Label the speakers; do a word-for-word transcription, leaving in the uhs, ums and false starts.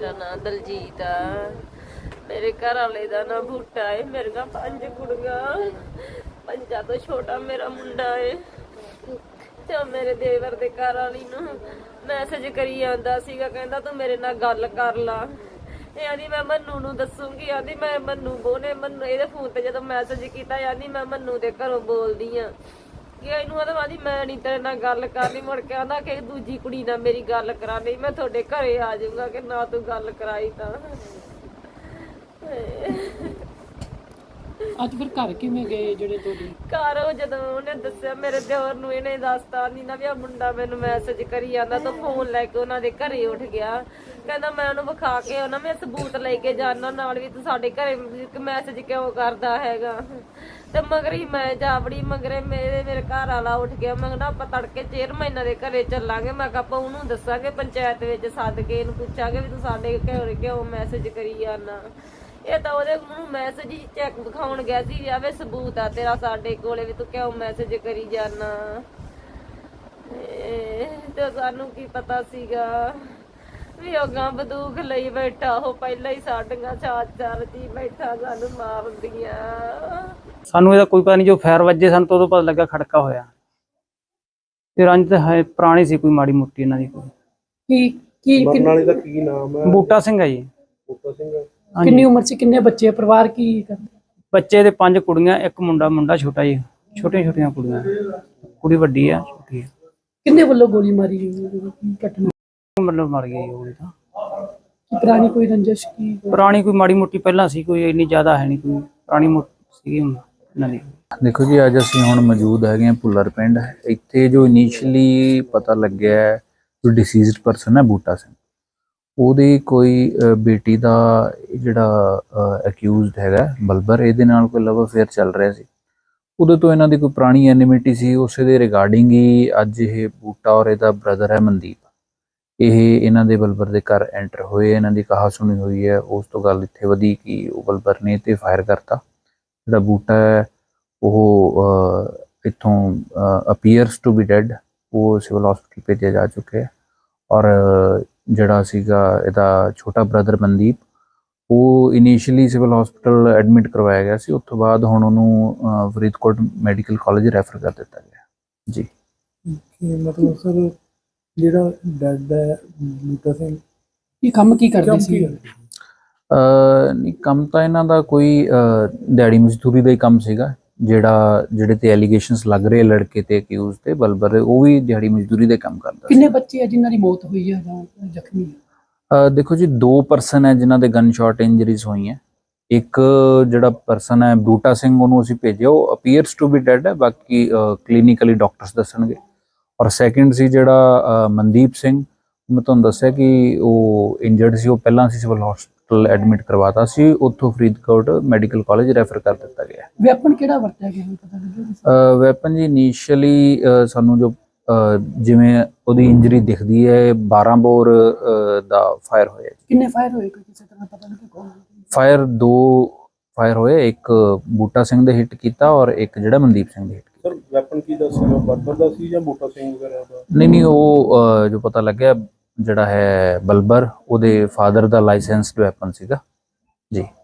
Speaker 1: मेरा नाम दलजीत आ। मेरे घर वाले का नाम बूटा है। मेरे का पंज कुड़ियां, पंजा तो छोटा मेरा मुंडा है। तो मेरे देवर दे घर वाली नूं मैसेज करी आंदा सीगा, कहंदा तू मेरे नाल गल कर ला। ਇਹ ਆਂਦੀ ਮੈਂ ਮੰਨੂ ਨੂੰ ਦੱਸੂਗੀ, ਆਂਦੀ ਮੈਂ ਮੰਨੂ ਬੋਨੇ ਮੰਨੂ ਇਹਦੇ ਫੋਨ ਤੇ ਜਦੋਂ ਮੈਸੇਜ ਕੀਤਾ ਆਂਦੀ ਮੈਂ ਮੰਨੂ ਦੇ ਘਰੋਂ ਬੋਲਦੀ ਆ ਕਿ ਇਹਨੂੰ ਆਂਦੀ ਮੈਂ ਨਹੀਂ ਤੇਰੇ ਨਾਲ ਗੱਲ ਕਰਨੀ। ਮੁੜ ਕੇ ਆਂਦਾ ਕਿ ਦੂਜੀ ਕੁੜੀ ਨਾਲ ਮੇਰੀ ਗੱਲ ਕਰਾ ਲਈ, ਮੈਂ ਤੁਹਾਡੇ ਘਰੇ ਆ ਜਾਊਂਗਾ ਕਿ ਨਾ ਤੂੰ ਗੱਲ ਕਰਾਈ ਤਾਂ।
Speaker 2: ਅੱਜ ਫਿਰ ਘਰ ਕਿਵੇਂ ਗਏ ਜਿਹੜੇ ਤੁਹਾਡੇ
Speaker 1: ਘਰ ਉਹ ਜਦੋਂ ਉਹਨੇ ਦੱਸਿਆ ਮੇਰੇ ਦਿਓਰ ਨੂੰ, ਇਹਨੇ ਦੱਸਤਾ ਨਹੀਂ ਨਾ ਵੀ ਆ ਮੁੰਡਾ ਮੈਨੂੰ ਮੈਸੇਜ ਕਰੀ ਜਾਂਦਾ, ਤਾਂ ਫੋਨ ਲੈ ਕੇ ਉਹਨਾਂ ਦੇ ਘਰੇ ਉੱਠ ਗਿਆ। ਕਹਿੰਦਾ ਮੈਂ ਉਹਨੂੰ ਵਿਖਾ ਕੇ ਉਹਨਾਂ ਮੈਂ ਸਬੂਤ ਲੈ ਕੇ ਜਾਣਾ ਨਾਲ ਵੀ ਤੂੰ ਸਾਡੇ ਘਰੇ ਮੈਸੇਜ ਕਿਉਂ ਕਰਦਾ ਹੈਗਾ। ਤੇ ਮਗਰ ਹੀ ਮੈਂ ਜਾਵੜੀ ਮਗਰੇ ਮੇਰੇ ਮੇਰੇ ਘਰ ਵਾਲਾ ਉੱਠ ਗਿਆ। ਮੈਂ ਕਿਹਾ ਆਪਾਂ ਤੜਕੇ ਚੇਅਰਮੈਨਾਂ ਦੇ ਘਰੇ ਚੱਲਾਂਗੇ। ਮੈਂ ਕਿਹਾ ਆਪਾਂ ਉਹਨੂੰ ਦੱਸਾਂਗੇ ਪੰਚਾਇਤ ਵਿੱਚ ਸੱਦ ਕੇ ਇਹਨੂੰ ਪੁੱਛਾਂਗੇ ਵੀ ਤੂੰ ਸਾਡੇ ਘਰੇ ਕਿਉਂ ਮੈਸੇਜ ਕਰੀ ਜਾਂਦਾ। ਇਹ ਤਾਂ ਉਹਦੇ ਨੂੰ ਮੈਸੇਜ ਹੀ ਚੈੱਕ ਦਿਖਾਉਣ ਗਿਆ ਸੀ ਵੀ ਆਵੇ ਸਬੂਤ ਆ ਤੇਰਾ ਸਾਡੇ ਕੋਲੇ ਵੀ ਤੂੰ ਕਿਉਂ ਮੈਸੇਜ ਕਰੀ ਜਾਣਾ। ਤੇ ਸਾਨੂੰ ਕੀ ਪਤਾ ਸੀਗਾ ਵੀ ਉਹ ਗਾਂ ਬੰਦੂਕ ਲਈ ਬੈਠਾ, ਉਹ ਪਹਿਲਾਂ ਹੀ ਸਾਡੀਆਂ ਚਾਰ ਚਾਰ ਜੀ ਬੈਠਾ ਸਾਨੂੰ ਮਾਰਦੀਆਂ।
Speaker 3: ਸਾਨੂੰ ਇਹਦਾ ਕੋਈ ਪਤਾ ਨਹੀਂ, ਜੋ ਫਾਇਰ ਵੱਜੇ ਸਾਨੂੰ ਤਾਂ ਉਦੋਂ ਪਤਾ ਲੱਗਾ ਖੜਕਾ ਹੋਇਆ। ਤੇ ਰੰਜ ਤਾਂ ਹੈ ਪੁਰਾਣੀ ਸੀ ਕੋਈ ਮਾੜੀ ਮੋਟੀ ਇਹਨਾਂ ਦੀ। ਕੋਈ
Speaker 2: ਕੀ ਕੀ
Speaker 4: ਮਰਨ ਵਾਲੇ ਦਾ ਕੀ ਨਾਮ ਹੈ?
Speaker 3: ਬੂਟਾ ਸਿੰਘ ਹੈ ਜੀ।
Speaker 4: ਬੂਟਾ ਸਿੰਘ।
Speaker 2: ਕਿੰਨੀ ਉਮਰ ਸੀ, ਕਿੰਨੇ ਬੱਚੇ, ਪਰਿਵਾਰ ਕੀ ਕਰਦੇ?
Speaker 3: ਬੱਚੇ ਦੇ ਪੰਜ ਕੁੜੀਆਂ, ਇੱਕ ਮੁੰਡਾ, ਮੁੰਡਾ ਛੋਟਾ ਜੀ, ਛੋਟੀਆਂ ਛੋਟੀਆਂ ਕੁੜੀਆਂ, ਕੁੜੀ ਵੱਡੀ ਆ ਛੋਟੀ ਆ।
Speaker 2: ਕਿੰਨੇ ਵੱਲੋਂ ਗੋਲੀ ਮਾਰੀ ਗਈ, ਕੀ ਘਟਨਾ
Speaker 3: ਮਤਲਬ ਮਰ ਗਈ ਉਹ ਤਾਂ।
Speaker 2: ਕੀ ਪੁਰਾਣੀ ਕੋਈ ਰੰਜਿਸ਼ ਕੀ?
Speaker 3: ਪੁਰਾਣੀ ਕੋਈ ਮਾੜੀ ਮੋਟੀ ਪਹਿਲਾਂ ਸੀ, ਕੋਈ ਇੰਨੀ ਜ਼ਿਆਦਾ ਹੈ ਨਹੀਂ, ਕੋਈ ਪੁਰਾਣੀ ਮੋਟੀ ਸੀਗੀ ਇਹਨਾਂ ਦੀ।
Speaker 5: ਦੇਖੋ ਜੀ, ਅੱਜ ਅਸੀਂ ਹੁਣ ਮੌਜੂਦ ਹੈਗੇ ਹਾਂ ਭੁੱਲਰ ਪਿੰਡ। ਇੱਥੇ ਜੋ ਇਨੀਸ਼ੀਅਲੀ ਪਤਾ ਲੱਗਿਆ ਜੋ ਡਿਸੀਜ਼ਡ ਪਰਸਨ ਹੈ ਬੂਟਾ ਸਿੰਘ, ਉਹਦੀ ਕੋਈ ਬੇਟੀ ਦਾ ਜਿਹੜਾ ਅਕਿਊਜ਼ਡ ਹੈਗਾ ਬਲਬਰ, ਇਹਦੇ ਨਾਲ ਕੋਈ ਲਵ ਅਫੇਅਰ ਚੱਲ ਰਿਹਾ ਸੀ। ਉਦੋਂ ਤੋਂ ਇਹਨਾਂ ਦੀ ਕੋਈ ਪੁਰਾਣੀ ਐਨਿਮਿਟੀ ਸੀ। ਉਸੇ ਦੇ ਰਿਗਾਰਡਿੰਗ ਹੀ ਅੱਜ ਇਹ ਬੂਟਾ ਔਰ ਇਹਦਾ ਬ੍ਰਦਰ ਹੈ ਮਨਦੀਪ, ਇਹ ਇਹਨਾਂ ਦੇ ਬਲਬਰ ਦੇ ਘਰ ਐਂਟਰ ਹੋਏ। ਇਹਨਾਂ ਦੀ ਕਹਾ ਸੁਣੀ ਹੋਈ ਹੈ। ਉਸ ਤੋਂ ਗੱਲ ਇੱਥੇ ਵਧੀ ਕਿ ਉਹ ਬਲਬਰ ਨੇ ਤੇ ਫਾਇਰ ਕਰਤਾ। ਜਿਹੜਾ ਬੂਟਾ ਹੈ ਉਹ ਇੱਥੋਂ ਅਪੀਅਰਸ ਟੂ ਬੀ ਡੈਡ, ਉਹ ਸਿਵਲ ਹਸਪੀਟਲ ਭੇਜਿਆ ਜਾ ਚੁੱਕਿਆ ਹੈ। ਔਰ ਜਿਹੜਾ ਸੀਗਾ ਇਹਦਾ ਛੋਟਾ ਬ੍ਰਦਰ ਮਨਦੀਪ, ਉਹ ਇਨੀਸ਼ੀਅਲੀ ਸਿਵਲ ਹਸਪੀਟਲ ਐਡਮਿਟ ਕਰਵਾਇਆ ਗਿਆ ਸੀ। ਉਸ ਤੋਂ ਬਾਅਦ ਹੁਣ ਉਹਨੂੰ ਫਰੀਦਕੋਟ ਮੈਡੀਕਲ ਕਾਲਜ ਰੈਫਰ ਕਰ ਦਿੱਤਾ ਗਿਆ ਜੀ।
Speaker 4: ਮਤਲਬ ਸਰ ਜਿਹੜਾ ਡੈਡ ਹੈ ਬੂਟਾ ਸਿੰਘ,
Speaker 2: ਇਹ ਕੰਮ ਕੀ ਕਰਦੇ ਸੀ?
Speaker 5: ਨਹੀਂ, ਕੰਮ ਤਾਂ ਇਹਨਾਂ ਦਾ ਕੋਈ ਦਿਹਾੜੀ ਮਜ਼ਦੂਰੀ ਦਾ ਹੀ ਕੰਮ ਸੀਗਾ। ਜਿਹੜਾ ਜਿਹੜੇ ਤੇ ਐਲੀਗੇਸ਼ਨਸ ਲੱਗ ਰਹੇ ਲੜਕੇ ਤੇ ਅਕਿਊਜ਼ ਤੇ ਬਲਬਰ, ਉਹ ਵੀ ਦਿਹਾੜੀ ਮਜ਼ਦੂਰੀ ਦੇ ਕੰਮ ਕਰਦਾ।
Speaker 2: ਕਿੰਨੇ ਬੱਚੇ ਆ ਜਿਨ੍ਹਾਂ ਦੀ ਮੌਤ ਹੋਈ ਹੈ ਜਾਂ ਜ਼ਖਮੀ?
Speaker 5: ਦੇਖੋ ਜੀ, ਦੋ ਪਰਸਨ ਹੈ ਜਿਨ੍ਹਾਂ ਦੇ ਗਨ ਸ਼ਾਟ ਇੰਜਰੀਜ਼ ਹੋਈਆਂ। ਇੱਕ ਜਿਹੜਾ ਪਰਸਨ ਹੈ ਬੂਟਾ ਸਿੰਘ, ਉਹਨੂੰ ਅਸੀਂ ਭੇਜਿਆ, ਉਹ ਅਪੀਅਰਸ ਟੂ ਬੀ ਡੈਡ ਹੈ, ਬਾਕੀ ਕਲੀਨਿਕਲੀ ਡਾਕਟਰਸ ਦੱਸਣਗੇ। ਔਰ ਸੈਕਿੰਡ ਸੀ ਜਿਹੜਾ ਮਨਦੀਪ ਸਿੰਘ, ਮੈਂ ਤੁਹਾਨੂੰ ਦੱਸਿਆ ਕਿ ਉਹ ਇੰਜਰਡ ਸੀ। ਉਹ ਪਹਿਲਾਂ ਅਸੀਂ ਸਿਵਲ ਹਸਪੀਟਲ ਐਡਮਿਟ ਕਰਵਾਤਾ ਸੀ, ਉੱਥੋਂ ਫਰੀਦਕੋਟ ਮੈਡੀਕਲ ਕਾਲਜ ਰੈਫਰ ਕਰ ਦਿੱਤਾ ਗਿਆ।
Speaker 2: ਵੈਪਨ ਕਿਹੜਾ ਵਰਤਿਆ ਗਿਆ ਪਤਾ ਲੱਗਿਆ?
Speaker 5: ਵੈਪਨ ਜੀ ਇਨੀਸ਼ੀਅਲੀ ਸਾਨੂੰ ਜੋ ਜਿਵੇਂ ਉਹਦੀ ਇੰਜਰੀ ਦਿਖਦੀ ਹੈ, ਬਾਰਾਂ ਬੋਰ ਦਾ ਫਾਇਰ ਹੋਇਆ।
Speaker 2: ਕਿੰਨੇ ਫਾਇਰ ਹੋਏ ਕੋਈ ਕਿਸੇ ਤਰ੍ਹਾਂ ਪਤਾ ਲੱਗਿਆ? ਕੌਣ
Speaker 5: ਫਾਇਰ? ਦੋ ਫਾਇਰ ਹੋਏ, ਇੱਕ ਬੂਟਾ ਸਿੰਘ ਦੇ ਹਿੱਟ ਕੀਤਾ ਔਰ ਇੱਕ ਜਿਹੜਾ ਮਨਦੀਪ ਸਿੰਘ ਦੇ ਹਿੱਟ ਕੀਤਾ।
Speaker 4: ਸਰ ਵੈਪਨ ਕੀ ਦਾ ਸੀ? ਬਲਬਰ ਦਾ ਸੀ ਜਾਂ ਬੂਟਾ ਸਿੰਘ ਵਗੈਰਾ ਦਾ?
Speaker 5: ਨਹੀਂ ਨਹੀਂ, ਉਹ ਜੋ ਪਤਾ ਲੱਗਿਆ ਜਿਹੜਾ ਹੈ ਬਲਬਰ, ਉਹਦੇ ਫਾਦਰ ਦਾ ਲਾਇਸੈਂਸਡ ਵੈਪਨ ਸੀਗਾ ਜੀ।